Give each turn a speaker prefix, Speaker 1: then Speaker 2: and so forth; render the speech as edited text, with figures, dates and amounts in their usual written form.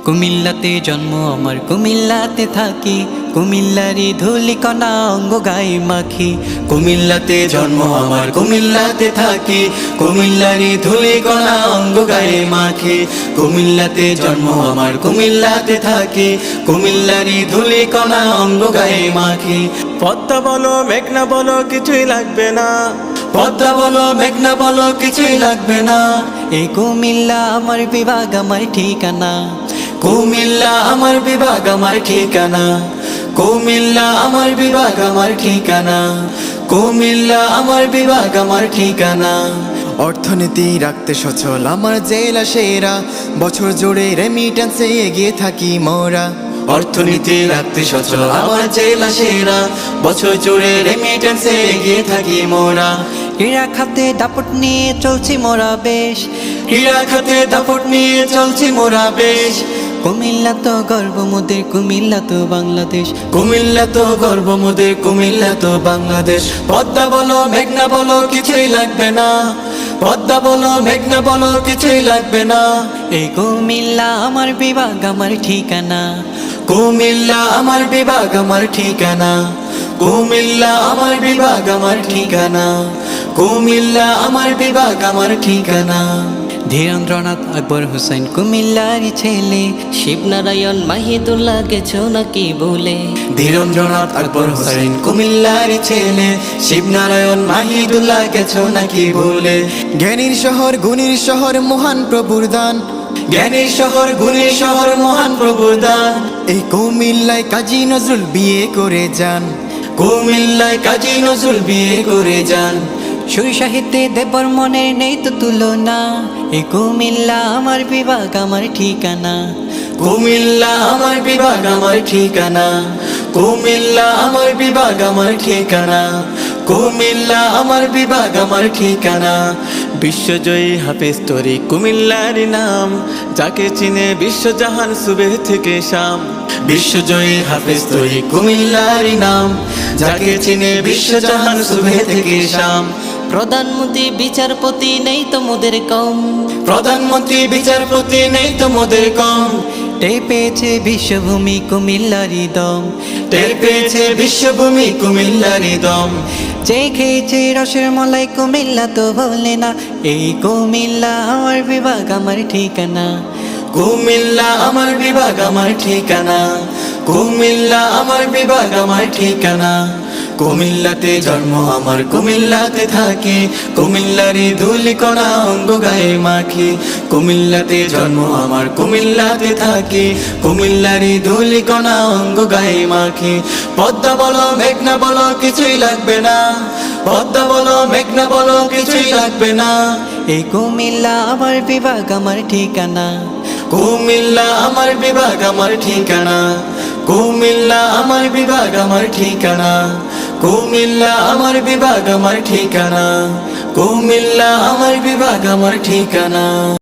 Speaker 1: কুমিল্লাতে জন্ম আমার, কুমিল্লাতে থাকি, কুমিল্লারি ধুলিকণা অঙ্গ গায়ে মাখি। কুমিল্লাতে জন্ম আমার, কুমিল্লাতে থাকি, কুমিল্লারি ধুলিকণা অঙ্গ গায়ে মাখি। কুমিল্লাতে জন্ম আমার, কুমিল্লাতে থাকি, কুমিল্লারি ধুলিকণা অঙ্গ গায়ে মাখি।
Speaker 2: পদ্মা বলো মেঘনা বলো কিছুই লাগবে না,
Speaker 1: পদ্মা বলো মেঘনা বলো কিছুই লাগবে না। এই কুমিল্লা আমার বিভাগ, আমার ঠিকানা। কুমিল্লা আমার বিভাগ, আমার ঠিকানা। কুমিল্লা আমার বিভাগ, আমার ঠিকানা। কুমিল্লা আমার বিভাগ, আমার ঠিকানা।
Speaker 3: অর্থনীতি রাখতে সচল আমার জেলা সেরা, বছর জুড়ে রেমিটেন্সে এগিয়ে থাকি মোরা।
Speaker 1: অর্থনীতি রাখতে সচল আমার জেলা সেরা, বছর জুড়ে রেমিটেন্সে এগিয়ে থাকি মোরা। ক্রীড়া খাতে দাপট নিয়ে চলছি মোরা বেশ, ক্রীড়া খাতে দাপট নিয়ে চলছি মোরা বেশ। কুমিল্লা তো গর্ব মোদের, কুমিল্লা তো বাংলাদেশ। কুমিল্লা তো গর্ব মোদের, কুমিল্লা তো বাংলাদেশ। পদ্মা বলো মেঘনা বলো কিছুই লাগবে না, পদ্মা বলো মেঘনা বলো কিছুই লাগবে না। এই কুমিল্লা আমার বিভাগ, আমার ঠিকানা। কুমিল্লা আমার বিভাগ, আমার ঠিকানা। কুমিল্লা আমার বিভাগ, আমার ঠিকানা। কুমিল্লা আমার বিভাগ, আমার ঠিকানা। ধীরেন্দ্রনাথ আকবর হোসেন কুমিল্লারই ছেলে,
Speaker 4: শিবনারায়ণ মাহিদুল্লাহ গেছো নাকি বলে।
Speaker 1: ধীরেন্দ্রনাথ আকবর হোসেন কুমিল্লারই ছেলে, শিবনারায়ণ মাহিদুল্লাহ গেছো নাকি ভুলে।
Speaker 3: জ্ঞানীর শহর গুণীর শহর মহান প্রভুর দান,
Speaker 1: জ্ঞানীর শহর গুণীর শহর মহান প্রভুর দান।
Speaker 3: এই কুমিল্লায় কাজী নজরুল বিয়ে করে যান।
Speaker 1: কুমিল্লায় কাজী নজরুল বিয়ে করে যান। সুর সাহিত্যে দেবর মনে নেই তো তুলনা। এই কুমিল্লা আমার বিভাগ, আমার ঠিকানা। কুমিল্লা আমার বিভাগ, আমার ঠিকানা। কুমিল্লা আমার বিভাগ, আমার ঠিকানা। কুমিল্লা আমার বিভাগ, আমার ঠিকানা।
Speaker 2: বিশ্বজয়ী হাফেজ তরি কুমিল্লার নাম, যাকে চিনে বিশ্বজাহান সুবে থেকে শাম।
Speaker 1: বিশ্বজয়ী হাফেজ তরি কুমিল্লারই নাম, যাকে চিনে বিশ্বজাহান সুবে থেকে শাম।
Speaker 4: প্রধানমন্ত্রী বিচারপতি নেই তো মোদের কম,
Speaker 1: প্রধানমন্ত্রী বিচারপতি নেই তো মোদের কম। টের পেয়েছে বিশ্বভূমি কুমিল্লারই দম, টের পেয়েছে বিশ্বভূমি কুমিল্লারই দম। যে খেয়েছে রসের মলাই কুমিল্লা তো বলে না। এই কুমিল্লা আমার বিভাগ, আমার ঠিকানা। কুমিল্লা আমার বিভাগ, আমার ঠিকানা। কুমিল্লা আমার বিভাগ, আমার ঠিকানা। কুমিল্লাতে জন্ম আমার, কুমিল্লাতে থাকি, কুমিল্লারি ধুলিকণা অঙ্গ গায়ে মাখি। কুমিল্লাতে জন্ম আমার, কুমিল্লাতে থাকি, কুমিল্লারি ধুলিকণা অঙ্গ গায়ে মাখি। পদ্মা বলো মেঘনা বলো কিছুই লাগবে না, পদ্মা বলো মেঘনা বলো কিছুই লাগবে না। এই কুমিল্লা আমার বিভাগ, আমার ঠিকানা। কুমিল্লা আমার বিভাগ, আমার ঠিকানা। কুমিল্লা আমার বিভাগ, আমার ঠিকানা। কুমিল্লা আমার বিভাগ, আমার ঠিকানা। কুমিল্লা আমার বিভাগ, আমার ঠিকানা।